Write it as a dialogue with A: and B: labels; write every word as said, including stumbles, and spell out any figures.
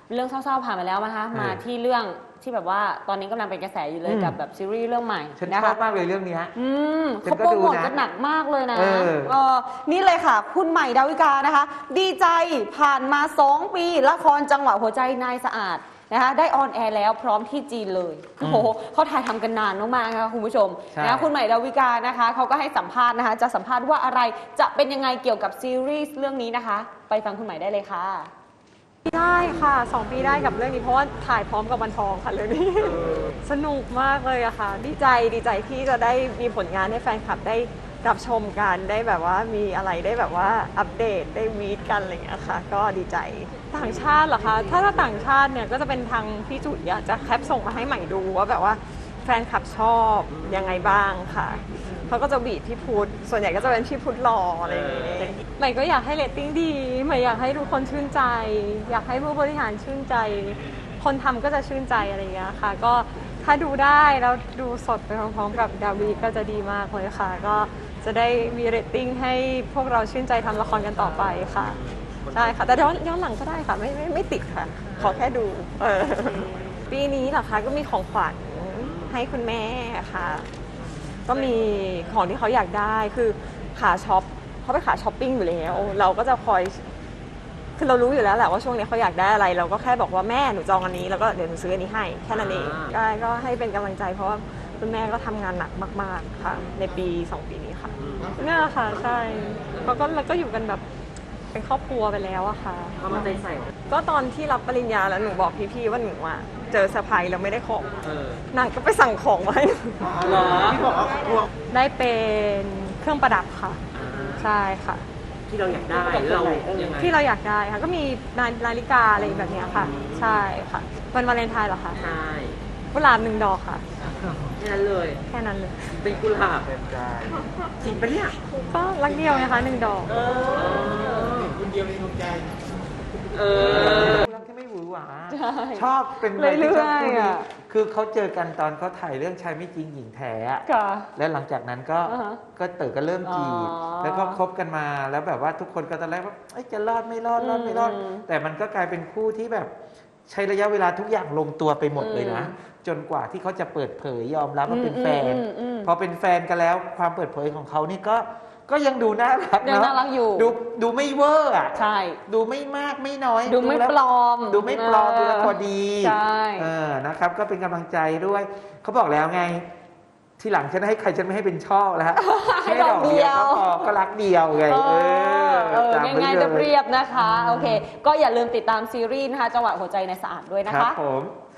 A: เรื่องเศร้าๆผ่านไปแล้วนะคะมาที่เรื่องที่แบบว่าตอนนี้กำลังเป็นกระแสอยู่เลยกับแบบซีรีส์เรื่องใหม่
B: ฉันชอบมากเลยเรื่องนี้
A: อืมเขาโปรโมทกันหนักมากเลยนะ
C: เออนี่เลยค่ะคุณใหม่ดาวิกานะคะดีใจผ่านมาสองปีละครจังหวะหัวใจนายสะอาดนะคะได้ออนแอร์แล้วพร้อมที่จีนเลยโอ้โหเขาถ่ายทำกันนานมากๆนะคะคุณผู้ชมนะคุณใหม่ดาวิกานะคะเขาก็ให้สัมภาษณ์นะคะจะสัมภาษณ์ว่าอะไรจะเป็นยังไงเกี่ยวกับซีรีส์เรื่องนี้นะคะไปฟังคุณใหม่ได้เลยค่ะ
D: ได้ค่ะสองปีได้กับเรื่องนี้เพราะว่าถ่ายพร้อมกับวันทองค่ะเรื่องนี้สนุกมากเลยอะค่ะดีใจดีใจที่จะได้มีผลงานให้แฟนคลับได้รับชมกันได้แบบว่ามีอะไรได้แบบว่าอัปเดตได้วีดกันอะไรอย่างเงี้ยค่ะก็ดีใจต่างชาติเหรอคะถ้าถ้าต่างชาติเนี่ยก็จะเป็นทางพี่จุ๋ยจะแคปส่งมาให้ใหม่ดูว่าแบบว่าแฟนคลับชอบยังไงบ้างค่ะเขาก็จะบีบพี่พุทธส่วนใหญ่ก็จะเป็นพี่พุทธหล่ออะไรอย่างเงี้ยใหม่ก็อยากให้เรตติ้งดีใหม่อยากให้ทุกคนชื่นใจอยากให้ผู้บริหารชื่นใจคนทำก็จะชื่นใจอะไรอย่างเงี้ยค่ะก็ถ้าดูได้แล้วดูสดไปพร้อมๆกับดาวีก็จะดีมากเลยค่ะก็จะได้มีเรตติ้งให้พวกเราชื่นใจทำละครกันต่อไปค่ะใช่ค่ะแต่ย้อนย้อนหลังก็ได้ค่ะไม่ไม่ไม่ติดค่ะขอแค่ดูเออปีนี้เหรอคะก็มีของขวัญให้คุณแม่ค่ะก็มีของที่เขาอยากได้คือขาช็อปเขาไปขาช้อปปิ้งอยู่แล้วเราก็จะคอยคือเรารู้อยู่แล้วแหละว่าช่วงนี้เขาอยากได้อะไรเราก็แค่บอกว่าแม่หนูจองอันนี้แล้วก็เดี๋ยวหนูซื้ออันนี้ให้แค่นั้นเองได้ก็ให้เป็นกำลังใจเพราะว่าคุณแม่ก็ทำงานหนักมากๆค่ะในปีสองปีนี้ค่ะเนี่ยค่ะใช่เขาก็เราก็อยู่กันแบบเป็นครอบครัวไปแล้วอะค่ะเขามาใจใส่ก็ตอนที่รับปริญญาแล้วหนูบอกพี่ๆว่าหนูอะเจอเซอร์ไพรส์แล้วไม่ได้ของนางก็ไปสั่งของมาให้หนูที่บอกว่าได้เป็นเครื่องประดับค่ะใช่ค่ะ
E: ที่เราอยากได้เรายังไง
D: ที่เราอยากได้ค่ะก็มีนาฬิกาอะไรแบบนี้ค่ะใช่ค่ะวันวาเลนไทน์เหรอคะ
E: ใช่
D: กุหลาบหนึ่งดอกค่ะ
E: แค่นั้นเลย
D: แค่นั้นเลย
E: เป็นกุหลาบจริงปะเนี่ย
D: ก็รักเดียวนะคะหนึ่งดอก
B: คุณเดียวในดวงใจ
E: เออ
B: รักที่ไม่หวือหวาชอบเป็น
C: เรื่อยๆอ่ะ
B: คือเขาเจอกันตอนเขาถ่ายเรื่องชายไม่จริงหญิงแท้แล้วหลังจากนั้นก็ก็เต๋อก็เริ่มจีบแล้วก็คบกันมาแล้วแบบว่าทุกคนก็ตอนแรกว่าจะรอดไม่รอดรอดไม่รอดแต่มันก็กลายเป็นคู่ที่แบบใช้ระยะเวลาทุกอย่างลงตัวไปหมดเลยนะจนกว่าที่เขาจะเปิดเผยยอมรับว่าเป็นแฟนพอเป็นแฟนกันแล้วความเปิดเผยของเขานี่ก็ก็ยังดูน่ารักเนาะ
C: ยังน่ารักอยู่
B: ดูดูไม่เวอร์อ่ะ
C: ใช่
B: ดูไม่มากไม่น้อย
C: ดูไม่ปลอม
B: ดูไม่ปลอมดูแล้วพอดี
C: ใช่
B: เออนะครับก็เป็นกำลังใจด้วยเขาบอกแล้วไงที่หลังฉันให้ใครฉันไม่ให้เป็นช่อแล้วฮะให้ดอกเดียวก็พอก็รักเดียวไงเอ
C: อง่ายๆเรียบๆนะคะโอเคก็อย่าลืมติดตามซีรีส์นะคะจังหวะหัวใจในสะอาดด้วยนะคะ
B: ครับผม